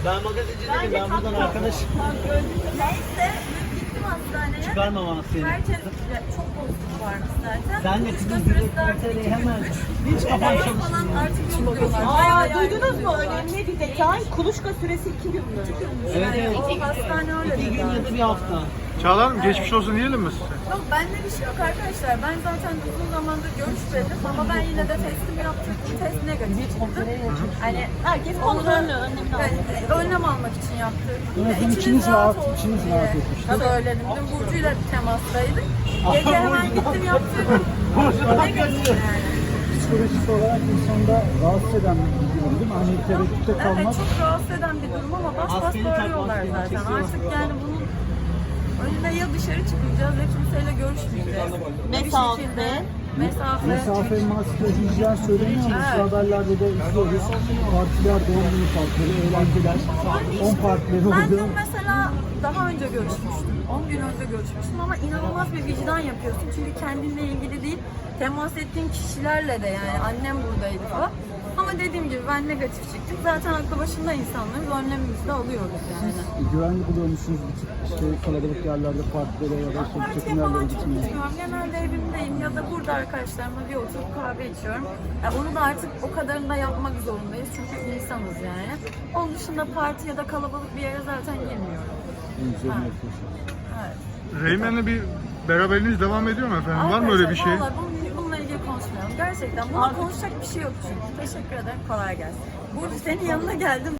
Ben magazinci değilim, ben buradan arkadaşım. Neyse gittim hastaneye. Çıkarmamam seni. Herkes çok bozukluk varmış zaten. Sen de Kuluçka kızın süresi direkt artık ortaya hemen hiç kafan falan çalışmıyor. artık yok diyorlar. Duydunuz mu? Önemli bir detay. Kuluçka süresi 2 gün mü? Evet evet. O hastane öyle 2 gün dedi. ya da bir hafta. Çağla Hanım geçmiş olsun diyelim mi size? Yok bende bir şey yok arkadaşlar. Ben zaten uzun zamandır görüşmedim ama ben yine de testimi yaptırdım. Test negatif çıktı. Hani Herkes kontrolünü, önlemini alıyor. önlem almak için yaptırdım. Evet, İçiniz içiniz rahat diye etmiştir. söyledim. Dün Burcu'yla temastaydık. Gece hemen gittim yaptırdım. Negatif yani. Psikolojik olarak insanda rahatsız eden bir durum değil mi? Hani tereddütte Evet kalmak. çok rahatsız eden bir durum ama bas bas Maskeni bağırıyorlar takmak zaten. gerekiyor. Artık yani bunun önüne ya dışarı çıkmayacağız ya kimseyle görüşmeyeceğiz. Mesafe. Mesafe, maske, hijyen söyleniyor ama şu haberlerde de izliyoruz. Partiler, doğum günü partileri, eğlenceler, 10 partileri Ben oldu. dün mesela daha önce görüşmüştüm. 10 gün önce görüşmüştüm ama inanılmaz bir vicdan yapıyorsun. Çünkü kendinle ilgili değil, temas ettiğin kişilerle de yani annem buradaydı falan. Ama dediğim gibi ben negatif çıktım. Zaten aklı başında insanlarız, önlemimizi de alıyoruz yani. Güvenli buluyor musunuz bu tip işte kalabalık yerlerde partilere ya da işte Partiye çekim yerlere falan çok gitmeye? gitmiyorum. Genelde evimdeyim ya da burada arkadaşlarımla bir oturup kahve içiyorum. Onu da artık o kadarını da yapmak zorundayız çünkü insanız yani. Onun dışında parti ya da kalabalık bir yere zaten girmiyorum. Üzerine yapıyorsunuz. Evet. Reymen'le bir beraberliğiniz devam ediyor mu efendim? Var mı öyle bir şey? Vallahi bununla ilgili konuşmayalım. Gerçekten bununla konuşacak bir şey yok çünkü. Teşekkür ederim. Kolay gelsin. Burcu senin yanına geldim.